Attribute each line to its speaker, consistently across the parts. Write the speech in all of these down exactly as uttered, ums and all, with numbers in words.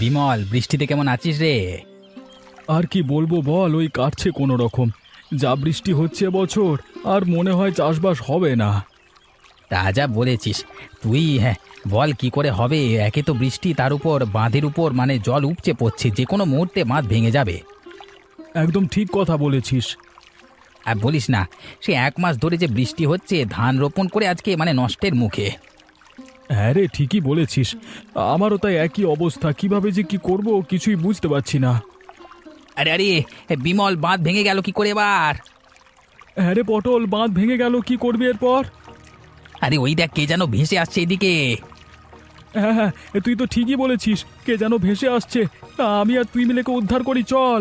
Speaker 1: বিমল, বৃষ্টিতে কেমন আছিস রে?
Speaker 2: আর কি বলবো বল, ওই কাটছে কোনো রকম। যা বৃষ্টি হচ্ছে বছর, আর মনে হয় চাষবাস হবে না।
Speaker 1: তা যা বলেছিস তুই। হ্যাঁ, বল কি করে হবে? একে তো বৃষ্টি, তার উপর বাঁধের উপর মানে জল উপচে পড়ছে, যে কোনো মুহূর্তে বাঁধ ভেঙে যাবে।
Speaker 2: একদম ঠিক কথা বলেছিস।
Speaker 1: আর বলিস না, সে এক মাস ধরে যে বৃষ্টি হচ্ছে, ধান রোপণ করে আজকে মানে নষ্টের মুখে।
Speaker 2: হ্যাঁ রে, ঠিকই বলেছিস। আমারও তাই একই অবস্থা, কিভাবে যে কি করব কিছুই বুঝতে পারছি না।
Speaker 1: আরে আরে, বিমল, বাঁধ ভেঙে গেল কি করে এবার?
Speaker 2: হ্যাঁ রে পটল, বাঁধ ভেঙে গেল, কি করবি এরপর?
Speaker 1: আরে ওই দেখ, কে যেন ভেসে আসছে এদিকে।
Speaker 2: হ্যাঁ হ্যাঁ, তুই তো ঠিকই বলেছিস, কে যেন ভেসে আসছে। আমি আর তুই মিলে কে উদ্ধার করি, চল।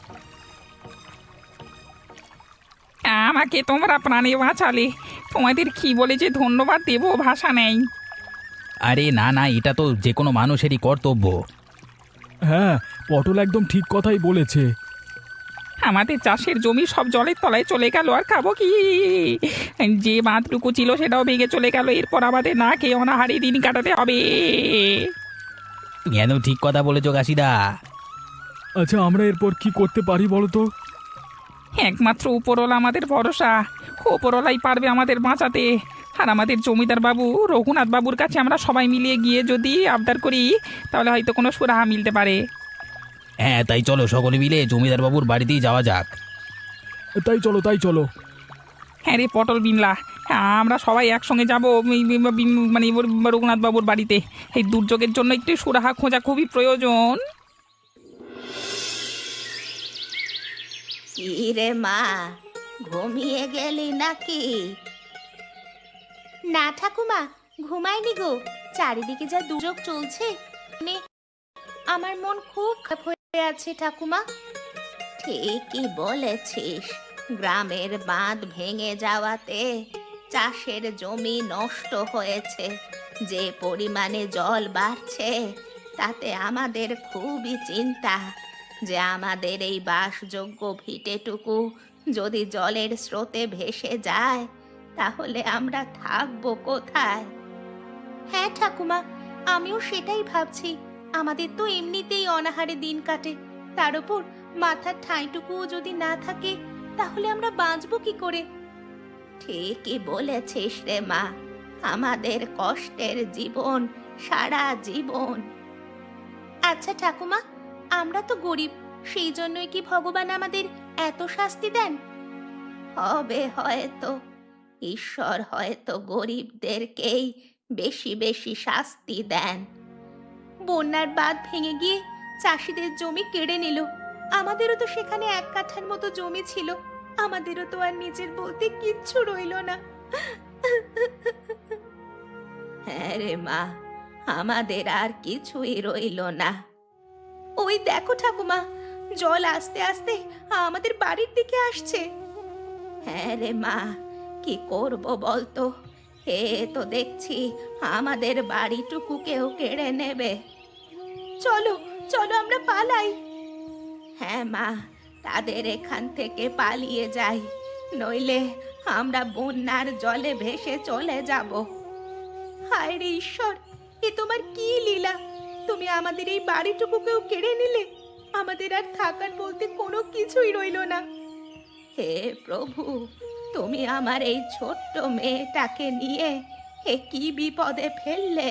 Speaker 3: আমাকে তোমরা প্রাণে বাঁচালে, তোমাদের কি বলে যে ধন্যবাদ দেবো ভাষা নেই।
Speaker 1: আরে না না, এটা তো যে কোনো মানুষেরই কর্তব্য।
Speaker 2: হ্যাঁ, পটল একদম ঠিক কথাই বলেছে।
Speaker 3: আমাদের চাষের জমি সব জলের তলায় চলে গেল, আর খাবো কি? যে বাঁধটুকু ছিল সেটাও ভেঙে চলে গেল, এরপর আমাদের না খেয়ে অনাহারে দিন কাটাতে হবে।
Speaker 1: তুমি একদম ঠিক কথা বলেছো কাশিদা।
Speaker 2: আচ্ছা, আমরা এরপর কি করতে পারি বলো তো?
Speaker 3: একমাত্র উপরওয়ালা আমাদের ভরসা, উপরওয়ালাই পারবে আমাদের বাঁচাতে। আর আমাদের জমিদার বাবু রঘুনাথ বাবুর কাছে আমরা সবাই মিলিয়ে গিয়ে যদি আবদার করি, তাহলে হয়তো কোনো সুরাহা মিলতে পারে।
Speaker 1: হ্যাঁ, তাই চলো সকলে মিলে জমিদার বাবুর বাড়িতেই যাওয়া যাক।
Speaker 2: তাই চলো, তাই চলো।
Speaker 3: হ্যাঁ রে পটল, বিমলা, আমরা সবাই একসঙ্গে যাবো মানে রঘুনাথ বাবুর বাড়িতে। এই দুর্যোগের জন্য একটু সুরাহা খোঁজা খুবই প্রয়োজন।
Speaker 4: কি রে মা, ঘুমিয়ে গেলি নাকি? না ঠাকুমা, ঘুমাইনি গো। চারিদিকে যা দুর্যোগ চলছে, মানে আমার মন খুব খারাপ হয়ে আছে ঠাকুমা। ঠিকই বলেছিস, গ্রামের বাঁধ ভেঙে যাওয়াতে চাষের জমি নষ্ট হয়েছে। যে পরিমাণে জল বাড়ছে, তাতে আমাদের খুবই চিন্তা যে আমাদের এই বাসযোগ্য ভিটেটুকু যদি জলের স্রোতে ভেসে যায়, তাহলে আমরা থাকবো কোথায়? হ্যাঁ ঠাকুমা, আমিও সেটাই ভাবছি। আমাদের তো এমনিতেই অনাহারে দিন কাটে, তার উপর মাথার ঠাঁইটুকুও যদি না থাকে, তাহলে আমরা বাঁচবো কি করে? ঠিকই বলেছিস রে মা, আমাদের কষ্টের জীবন সারা জীবন। আচ্ছা ঠাকুমা, আমরা তো গরিব, সেই জন্যই কি ভগবান আমাদের এত শাস্তি দেন? হবে হয়তো, ঈশ্বর হয়তো গরিবদেরকেই বেশি বেশি শাস্তি দেন। বন্যার বাঁধ ভেঙে গিয়ে চাষিদের জমি কেড়ে নিল। আমাদেরও তো সেখানে এক কাঠার মতো জমি ছিল, আমাদেরও তো আর নিজের বলতে কিচ্ছু রইল না। হ্যাঁ রে মা, আমাদের আর কিছুই রইল না। ওই দেখো ঠাকুমা, জল আস্তে আস্তে আমাদের বাড়ির দিকে আসছে। হ্যাঁ রে মা, কি করব বলতো? এ তো দেখছি আমাদের বাড়িটুকু কেউ কেড়ে নেবে। চলো চলো, আমরা পালাই। হ্যাঁ মা, তাদের এখান থেকে পালিয়ে যাই, নইলে আমরা বন্যার জলে ভেসে চলে যাব। হায় রে ঈশ্বর, এ তোমার কি লীলা! তুমি আমাদের এই বাড়িটুকুকেও কেড়ে নিলে, আমাদের আর থাকার বলতে কোনো কিছুই রইল না। হে প্রভু, তুমি আমার এই ছোট্ট মেয়েটাকে নিয়ে এ কি বিপদে ফেললে!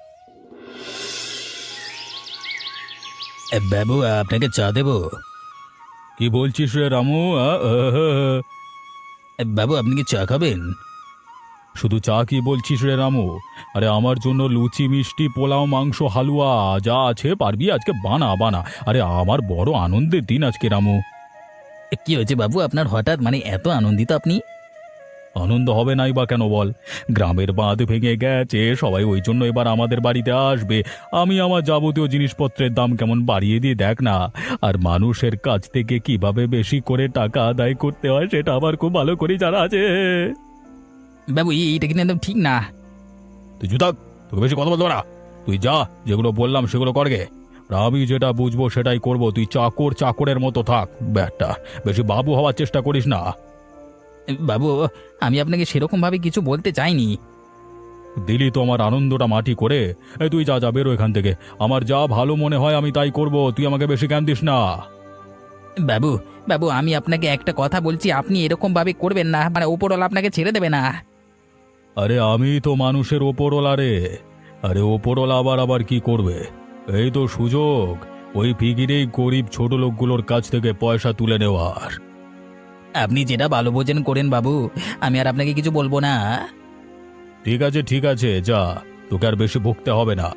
Speaker 1: এ, বাবু, আপনাকে চা দেবো?
Speaker 2: কি বলছিস রে রামু? আ, আ, আ, আ।
Speaker 1: এ, বাবু, আপনি কি চা খাবেন?
Speaker 2: শুধু চা কি বলছিস রে রামু? আরে আমার জন্য লুচি, মিষ্টি, পোলাও, মাংস, হালুয়া যা আছে পারবি আজকে বানা বানা। আরে আমার বড় আনন্দের দিন আজকে রামু।
Speaker 1: এ, কি হয়েছে বাবু, আপনার হঠাৎ মানে এত আনন্দিত আপনি?
Speaker 2: আনন্দ হবে নাই বা কেন বল? গ্রামের বাঁধ ভেঙে গেছে, সবাই ওই জন্য এবার আমাদের বাড়িতে আসবে। আমি আমার যাবতীয় জিনিসপত্রের দাম কেমন বাড়িয়ে দিয়ে দেখ না। আর মানুষের কাছ থেকে কিভাবে বেশি করে টাকা আদায় করতে হয় সেটা আমার খুব ভালো করে জানা আছে।
Speaker 1: বাবু, এই- এইটা কিন্তু একদম ঠিক না।
Speaker 2: তুই জুতাক, তোকে বেশি কথা বলতে না। তুই যা, যেগুলো বললাম সেগুলো করগে। আর আমি যেটা বুঝবো সেটাই করব। তুই চাকর চাকরের মতো থাক ব্যাটা, বেশি বাবু হওয়ার চেষ্টা করিস না।
Speaker 1: বাবু, আমি আপনাকে সেরকম ভাবে কিছু বলতে চাইনি।
Speaker 2: দিলি তো আমার আনন্দটা মাটি করে। এই তুই যা যা বেরো এখান থেকে। আমার যা ভালো মনে হয় আমি তাই করব, তুই আমাকে বেশি জ্ঞান দিস না।
Speaker 1: বাবু বাবু আমি আপনাকে একটা কথা বলছি, আপনি এরকম ভাবে করবেন না, মানে ওপরওয়ালা আপনাকে ছেড়ে দেবে না।
Speaker 2: আরে আমি তো মানুষের ওপরওয়ালা রে। আরে ওপরওয়ালা আবার আবার কি করবে? এই তো সুযোগ, ওই ফিকিরেই গরিব ছোট লোকগুলোর কাছ থেকে পয়সা তুলে নেওয়ার।
Speaker 1: আপনি যেটা ভালো বোঝেন করেন বাবু, আমি আর আপনাকে কিছু বলবো না।
Speaker 2: ঠিক আছে ঠিক আছে, যা, তোকে আর বেশি ভুগতে হবে না।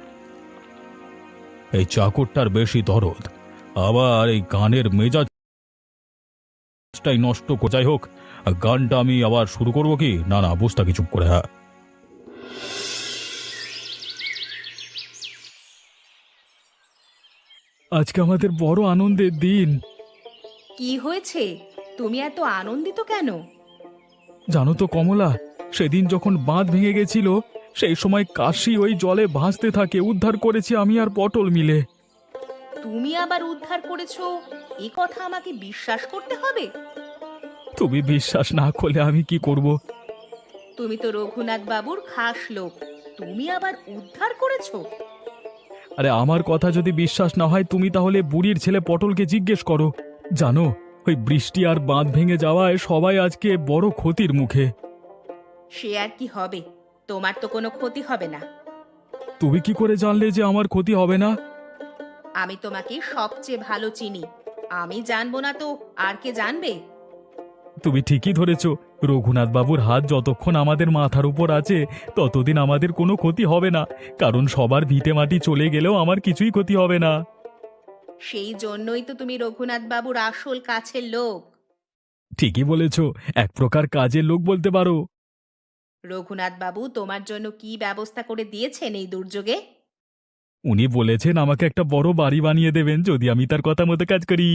Speaker 2: এই চাকরটার বেশি দরদ, আবার এই গানের মেজাজটাই নষ্ট কো- যাই হোক, গানটা আমি আবার শুরু করব কি? না না, বুঝতে কি, চুপ করে। হ্যাঁ, আজকে আমাদের বড় আনন্দের দিন।
Speaker 4: কি হয়েছে? তুমি এত আনন্দিত কেন?
Speaker 2: জানো তো কমলা, সেদিন যখন বাঁধ ভেঙে গেছিল, সেই সময় কাশি ওই জলে ভাসতে থাকে, উদ্ধার করেছি আমি আর পটল মিলে।
Speaker 4: তুমি আবার উদ্ধার করেছো, এ কথা আমাকে বিশ্বাস করতে হবে।
Speaker 2: তুমি বিশ্বাস না করলে আমি কি করব?
Speaker 4: তুমি তো রঘুনাথ বাবুর খাস লোক, তুমি আবার উদ্ধার করেছো?
Speaker 2: আরে আমার কথা যদি বিশ্বাস না হয়, তুমি তাহলে বুড়ির ছেলে পটলকে জিজ্ঞেস করো। জানো, ওই বৃষ্টি আর বাঁধ ভেঙে যাওয়ায় সবাই আজকে বড় ক্ষতির মুখে।
Speaker 4: সে আর কি হবে, তোমার তো কোনো ক্ষতি হবে না।
Speaker 2: তুমি কি করে জানলে যে আমার ক্ষতি হবে না?
Speaker 4: আমি তোমাকে সবচেয়ে ভালো চিনি, আমি জানবো না তো আর কে জানবে?
Speaker 2: তুমি ঠিকই ধরেছ, রঘুনাথ বাবুর হাত যতক্ষণ আমাদের মাথার উপর আছে ততদিন আমাদের কোনো ক্ষতি হবে না, কারণ সবার ভিটে মাটি চলে গেলেও আমার কিছুই ক্ষতি হবে না।
Speaker 4: সেই জন্যই তো তুমি রঘুনাথ বাবুর আসল কাছের লোক।
Speaker 2: ঠিকই বলেছ, এক প্রকার কাজের লোক বলতে পারো।
Speaker 4: রঘুনাথ বাবু তোমার জন্য কি ব্যবস্থা করে দিয়েছেন এই দুর্যোগে?
Speaker 2: উনি বলেছেন আমাকে একটা বড় বাড়ি বানিয়ে দেবেন যদি আমি তার কথা মতো কাজ করি।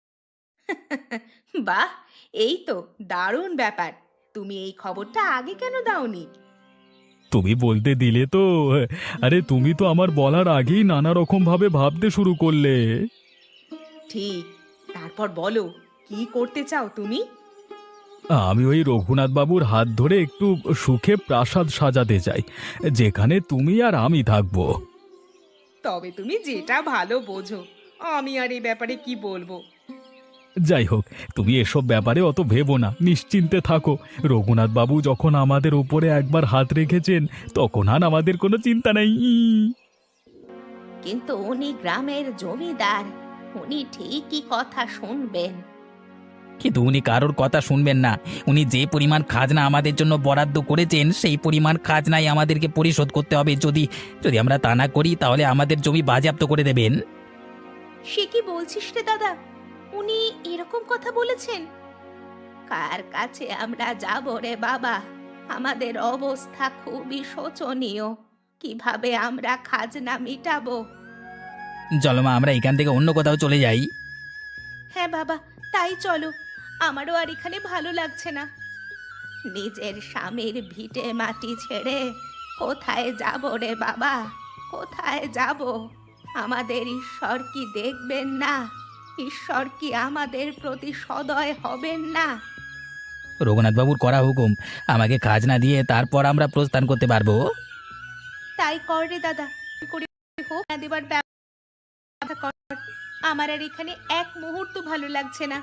Speaker 4: বাহ, এই তো দারুণ ব্যাপার। তুমি এই খবরটা আগে কেন দাওনি?
Speaker 2: তুমি বলতে দিলে তো। আরে তুমি তো আমার বলার আগেই নানা রকম ভাবে ভাবতে শুরু করলে।
Speaker 4: ঠিক, তারপর বলো, কি করতে চাও তুমি?
Speaker 2: আমি ওই রঘুনাথ বাবুর হাত ধরে একটু সুখে প্রাসাদ সাজাতে চাই, যেখানে তুমি আর আমি থাকবো।
Speaker 4: তবে তুমি যেটা ভালো বোঝো, আমি আর এই ব্যাপারে কি বলবো।
Speaker 2: যাই হোক, তুমি এসব ব্যাপারে অত ভেবো না, নিশ্চিন্তে থাকো। রঘুনাথ বাবু যখন আমাদের উপরে একবার হাত রেখেছেন, তখন আর আমাদের কোনো চিন্তা নেই।
Speaker 4: কিন্তু উনি গ্রামের জমিদার, উনি ঠিকই কথা শুনবেন।
Speaker 1: কিন্তু উনি কারোর কথা শুনবেন না। উনি যে পরিমাণ খাজনা আমাদের জন্য বরাদ্দ করেছেন, সেই পরিমাণ খাজনাই আমাদেরকে পরিশোধ করতে হবে। যদি যদি আমরা তা না করি, তাহলে আমাদের জমি বাজেয়াপ্ত করে দেবেন।
Speaker 4: সে কি বলছিস রে দাদা, উনি এরকম কথা বলেছেন? কার কাছে আমরা যাব রে বাবা? আমাদের অবস্থা খুবই শোচনীয়, কিভাবে আমরা খাজনা মিটাবো?
Speaker 1: চলো মা, আমরা এখান থেকে অন্য কোথাও চলে যাই।
Speaker 4: হ্যাঁ বাবা, তাই চলো, আমারও আর এখানে ভালো লাগছে না। নিজের স্বামীর ভিটে মাটি ছেড়ে কোথায় যাব রে বাবা, কোথায় যাব? আমাদের ঈশ্বর কি দেখবেন না? ঈশ্বর কি আমাদের প্রতি সদয় হবেন না?
Speaker 1: রঘুনাথ বাবুর করা হুকুম, আমাকে খাজনা দিয়ে তারপর আমরা প্রস্থান করতে পারবো।
Speaker 4: তাই কর রে দাদা, করে হোক না দেবার ব্যবস্থা কর। আমার আর এখানে এক মুহূর্ত ভালো লাগছে না।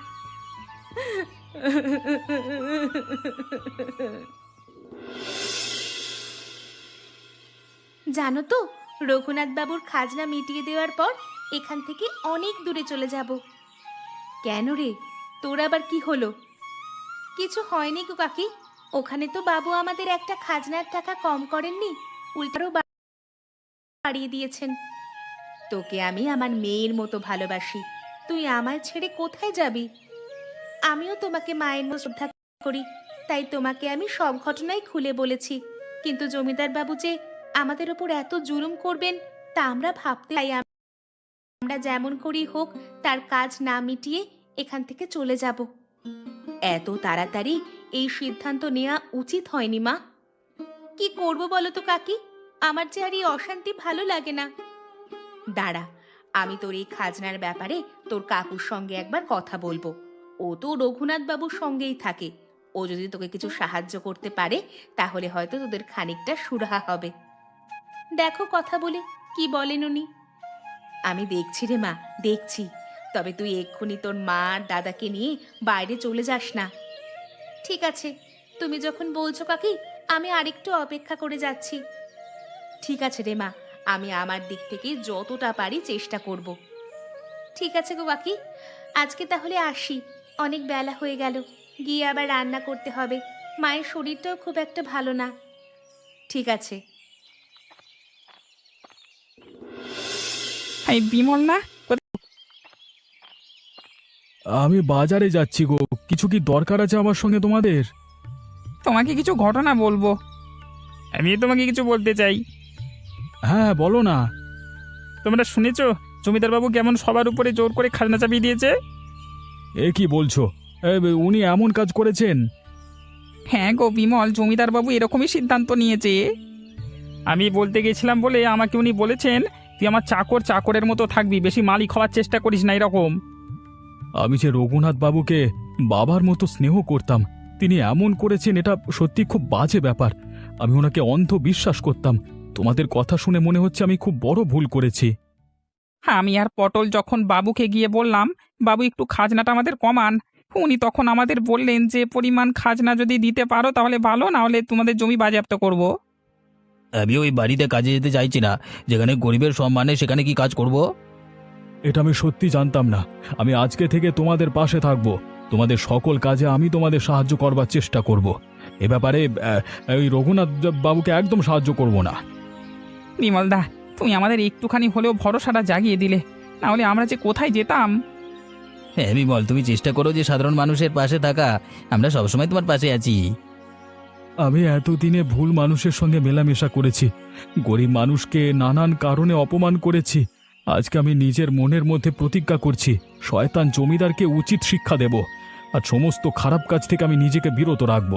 Speaker 4: জানো তো, রঘুনাথ বাবুর খাজনা মিটিয়ে দেওয়ার পর এখান থেকে অনেক দূরে চলে যাব। কেন রে, তোর আবার কি হলো? কিছু হয়নি গো কাকি, ওখানে তো বাবু আমাদের একটা খাজনার টাকা কম করেননি, উল্টারও বাড়িয়ে দিয়েছেন। তোকে আমি আমার মেয়ের মতো ভালোবাসি, তুই আমায় ছেড়ে কোথায় যাবি? আমিও তোমাকে মায়ের মতো শ্রদ্ধা করি, তাই তোমাকে আমি সব ঘটনাই খুলে বলেছি। কিন্তু জমিদার বাবু যে আমাদের ওপর এত জুলুম করবেন তা আমরা ভাবতে চাই। আমরা যেমন করি হোক তার কাজ না মিটিয়ে এখান থেকে চলে যাব। এত তাড়াতাড়ি এই সিদ্ধান্ত নেওয়া উচিত হয়নি মা। কি করব বলো তো কাকি, আমার যে আর এই অশান্তি ভালো লাগে না। দাঁড়া, আমি তোর এই খাজনার ব্যাপারে তোর কাকুর সঙ্গে একবার কথা বলবো। ও তো রঘুনাথ বাবুর সঙ্গেই থাকে, ও যদি তোকে কিছু সাহায্য করতে পারে তাহলে হয়তো তোদের খানিকটা সুরাহা হবে। দেখো কথা বলে কি বলেন উনি। আমি দেখছি রে মা, দেখছি। তবে তুই এক্ষুনি তোর মা আর দাদাকে নিয়ে বাইরে চলে যাস না। ঠিক আছে, তুমি যখন বলছো কাকি, আমি আরেকটু অপেক্ষা করে যাচ্ছি। ঠিক আছে রে মা, আমি আমার দিক থেকে যতটা পারি চেষ্টা করব। ঠিক আছে গো কাকি, আজকে তাহলে আসি, অনেক বেলা হয়ে গেল, গিয়ে আবার রান্না করতে হবে। মায়ের শরীরটাও খুব একটা ভালো না। ঠিক আছে।
Speaker 3: এই বিমল না?
Speaker 2: আমি বাজারে যাচ্ছি গো, কিছু কি দরকার আছে আমার সঙ্গে তোমাদের?
Speaker 3: তোমাকে কিছু ঘটনা বলবো। আমি তোমাকে কিছু বলতে চাই।
Speaker 2: হ্যাঁ বলো না।
Speaker 3: তোমরা শুনেছো জমিদার বাবু কেমন সবার উপরে জোর করে খাজনা চাপিয়ে দিয়েছে?
Speaker 2: এ কি বলছো? এ, উনি এমন কাজ করেছেন?
Speaker 3: হ্যাঁ গো বিমল, জমিদার বাবু এরকমই সিদ্ধান্ত নিয়েছে। আমি বলতে গেছিলাম বলে আমাকে উনি বলেছেন, তুই আমার চাকর চাকরের মতো থাকবি, বেশি মালিক হওয়ার চেষ্টা করিস না, এরকম।
Speaker 2: আমি যে রঘুনাথ বাবুকে বাবার মতো স্নেহ করতাম, তিনি এমন করেছেন, এটা সত্যি খুব বাজে ব্যাপার। আমি ওনাকে অন্ধ বিশ্বাস করতাম। তোমাদের কথা শুনে মনে হচ্ছে আমি খুব বড় ভুল করেছি।
Speaker 3: হ্যাঁ, আমি আর পটল যখন বাবুকে গিয়ে বললাম, বাবু একটু খাজনাটা আমাদের কমান, উনি তখন আমাদের বললেন যে পরিমাণ খাজনা যদি দিতে পারো তাহলে ভালো, না হলে তোমাদের জমি বাজেয়াপ্ত করব।
Speaker 1: আমি ওই বাড়িতে কাজে যেতে চাইছি না, যেখানে গরিবের সম্মানে সেখানে কি কাজ করব?
Speaker 2: এটা আমি সত্যি জানতাম না। আমি আজকে থেকে তোমাদের পাশে থাকব, তোমাদের সকল কাজে আমি তোমাদের সাহায্য করবার চেষ্টা করব। এ ব্যাপারে আহ, ওই রঘুনাথ বাবুকে একদম সাহায্য করব না।
Speaker 3: বিমলদা, তুমি আমাদের একটুখানি হলেও ভরসাটা জাগিয়ে দিলে, না হলে আমরা যে কোথায় যেতাম।
Speaker 1: হ্যাঁ বিমল, তুমি চেষ্টা করো যে সাধারণ মানুষের পাশে থাকা, আমরা সবসময় তোমার পাশে আছি।
Speaker 2: আমি এতদিনে ভুল মানুষের সঙ্গে মেলামেশা করেছি, গরিব মানুষকে নানান কারণে অপমান করেছি। আজকে আমি নিজের মনের মধ্যে প্রতিজ্ঞা করছি, শয়তান জমিদারকে উচিত শিক্ষা দেব, আর সমস্ত খারাপ কাজ থেকে আমি নিজেকে বিরত রাখব।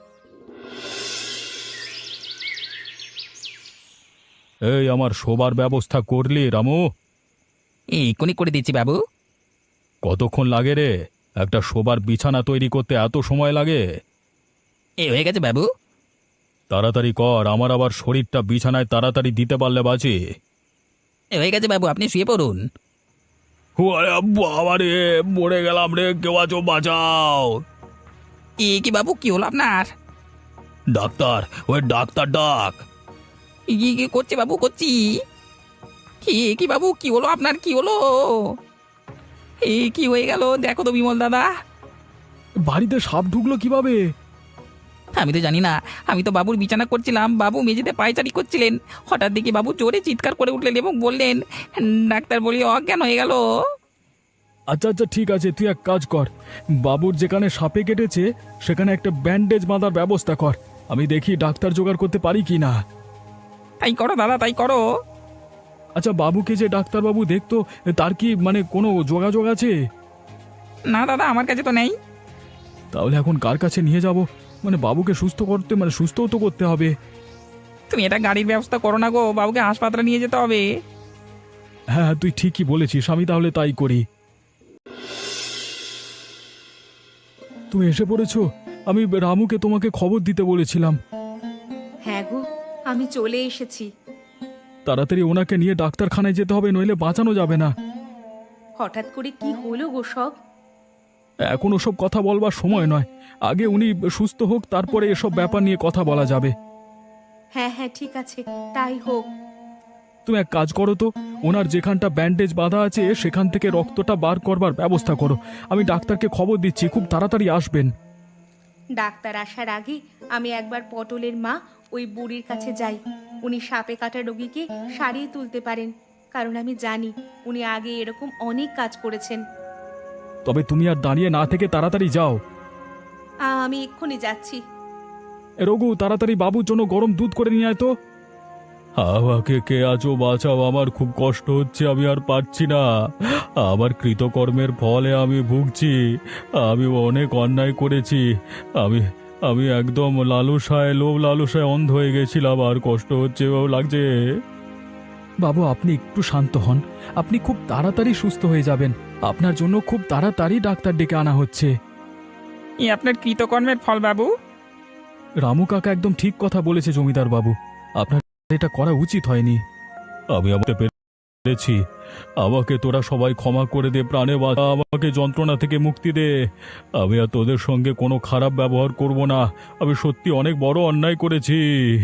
Speaker 2: এই আমার শোবার ব্যবস্থা করলি রামু?
Speaker 1: এই এক্ষুনি করে দিচ্ছি বাবু।
Speaker 2: কতক্ষণ লাগে রে? একটা শোবার বিছানা তৈরি করতে এত সময় লাগে?
Speaker 1: এই হয়ে গেছে বাবু।
Speaker 2: তাড়াতাড়ি কর, আমার আবার শরীরটা বিছানায় তাড়াতাড়ি দিতে পারলে বাঁচি।
Speaker 1: এই হয়ে গেছে বাবু, আপনি শুয়ে পড়ুন।
Speaker 2: বাবা রে, মরে গেলাম রে, কেউ আছো বাঁচাও।
Speaker 3: এ কি বাবু, কি হলো আপনার?
Speaker 2: ডাক্তার, ওই ডাক্তার ডাক।
Speaker 3: কি কি করছি বাবু, করছি। কি কি বাবু, কি হলো আপনার, কি হলো? এই কি হয়ে গেল দেখো তো বিমল দাদা।
Speaker 2: বাড়িতে সাপ ঢুকলো কিভাবে?
Speaker 1: আমি তো জানি না, আমি তো বাবুর বিছানা করছিলাম, বাবু মেঝেতে পায়চারি করছিলেন, হঠাৎ দেখি বাবু জোরে চিৎকার করে উঠলেন এবং বললেন, ডাক্তার বলি অজ্ঞান হয়ে গেল।
Speaker 2: আচ্ছা আচ্ছা ঠিক আছে, তুই এক কাজ কর, বাবুর যেখানে সাপে কেটেছে সেখানে একটা ব্যান্ডেজ বাঁধার ব্যবস্থা কর। আমি দেখি ডাক্তার জোগাড় করতে পারি কি না।
Speaker 3: তাই করো দাদা, তাই করো।
Speaker 2: আচ্ছা, বাবুকে যে ডাক্তারবাবু দেখতো, তার কি মানে কোনো যোগাযোগ আছে?
Speaker 3: না দাদা, আমার কাছে তো নেই।
Speaker 2: তাহলে এখন কার কাছে নিয়ে যাব? মানে বাবুকে সুস্থ করতে, মানে সুস্থও তো করতে হবে।
Speaker 3: তুমি এটা গাড়ির ব্যবস্থা করো না গো, বাবুকে হাসপাতালে নিয়ে যেতে হবে।
Speaker 2: হ্যাঁ তুই ঠিকই বলেছিস, আমি তাহলে তাই করি। তুমি এসে পড়েছো? আমি রামুকে তোমাকে খবর দিতে বলেছিলাম।
Speaker 4: হ্যাঁ গো, আমি চলে এসেছি।
Speaker 2: তাড়াতাড়ি ওনাকে নিয়ে ডাক্তারখানায় যেতে হবে, নইলে বাঁচানো যাবে না।
Speaker 4: হঠাৎ করে কি হলো গো সব?
Speaker 2: এখন ওসব কথা বলবার সময় নয়, আগে উনি সুস্থ হোক, তারপরে এসব ব্যাপার নিয়ে কথা বলা যাবে।
Speaker 4: হ্যাঁ হ্যাঁ ঠিক আছে, তাই হোক।
Speaker 2: তুমি এক কাজ করো তো, ওনার যেখানটা ব্যান্ডেজ বাঁধা আছে সেখান থেকে রক্তটা বার করবার ব্যবস্থা করো। আমি ডাক্তারকে খবর দিচ্ছি, খুব তাড়াতাড়ি আসবেন।
Speaker 4: ডাক্তার আসার আগে আমি একবার পটলের মা ওই বুড়ির কাছে যাই। উনি সাপে কাটা রোগীকে সারিয়ে তুলতে পারেন, কারণ আমি জানি উনি আগে এরকম অনেক কাজ করেছেন।
Speaker 2: তবে তুমি আর দাঁড়িয়ে না থেকে তাড়াতাড়ি যাও।
Speaker 4: আ, আমি এক্ষুনি যাচ্ছি।
Speaker 2: এ রঘু, তাড়াতাড়ি বাবুর জন্য গরম দুধ করে নিয়ে আয় তো। আমাকে কে আছো, বাঁচাও, আমার খুব কষ্ট হচ্ছে, আমি আর পারছি না। আমার কৃতকর্মের ফলে আমি ভুগছি, আমি অনেক অন্যায় করেছি। আমি আমি একদম লালসায়, লোভ লালসায় অন্ধ হয়ে গেছিলাম, আর কষ্ট হচ্ছে, ও লাগছে। বাবু আপনি একটু শান্ত হন, আপনি খুব তাড়াতাড়ি সুস্থ হয়ে যাবেন। আপনার জন্য খুব তাড়াতাড়ি ডাক্তার ডেকে আনা হচ্ছে।
Speaker 3: এই আপনার কৃতকর্মের ফল বাবু।
Speaker 2: রামু কাকা একদম ঠিক কথা বলেছে জমিদার বাবু, আপনার এটা করা উচিত হয়নি। আমি আমাকে পেরেছি, আমাকে তোরা সবাই ক্ষমা করে দে, প্রাণে বাঁচা, আমাকে যন্ত্রণা থেকে মুক্তি দে। আমি আর তোদের সঙ্গে কোনো খারাপ ব্যবহার করব না। আমি সত্যি অনেক বড় অন্যায় করেছি।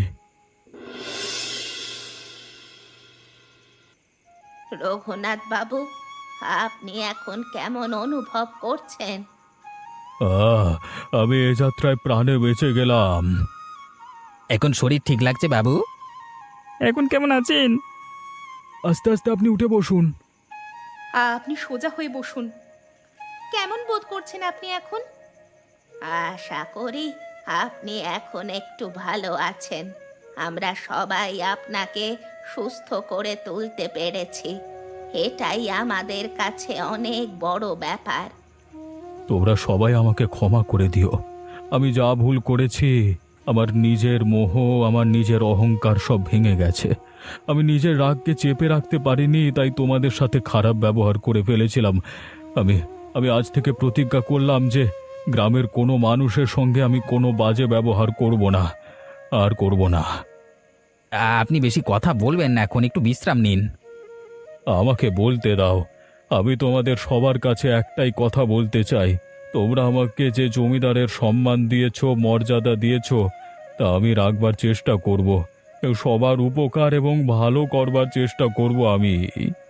Speaker 4: রঘুনাথ বাবু, আপনি এখন কেমন অনুভব করছেন?
Speaker 2: আহ, আমি এ যাত্রায় প্রাণে বেঁচে গেলাম।
Speaker 1: এখন শরীর ঠিক লাগছে বাবু?
Speaker 3: এখন কেমন আছেন?
Speaker 2: আস্তে আস্তে আপনি উঠে বসুন।
Speaker 4: আপনি সোজা হয়ে বসুন। কেমন বোধ করছেন আপনি এখন? আশা করি আপনি এখন একটু ভালো আছেন। আমরা সবাই আপনাকে সুস্থ করে তুলতে পেরেছি, এটাই আমাদের কাছে অনেক বড় ব্যাপার।
Speaker 2: তোমরা সবাই আমাকে ক্ষমা করে দিও। আমি যা ভুল করেছি, আমার নিজের মোহ, আমার নিজের অহংকার সব ভেঙে গেছে। আমি নিজের রাগকে চেপে রাখতে পারিনি, তাই তোমাদের সাথে খারাপ ব্যবহার করে ফেলেছিলাম। আমি আমি আজ থেকে প্রতিজ্ঞা করলাম যে গ্রামের কোনো মানুষের সঙ্গে আমি কোনো বাজে ব্যবহার করব না, আর করব না।
Speaker 1: আপনি বেশি কথা বলবেন না, এখন একটু বিশ্রাম নিন।
Speaker 2: আমাকে বলতে দাও। আমি তোমাদের সবার কাছে একটাই কথা বলতে চাই, তোমরা আমাকে যে জমিদারের সম্মান দিয়েছো, মর্যাদা দিয়েছো, তা আমি রাখবার চেষ্টা করব। সবার উপকার এবং ভালো করবার চেষ্টা করব আমি।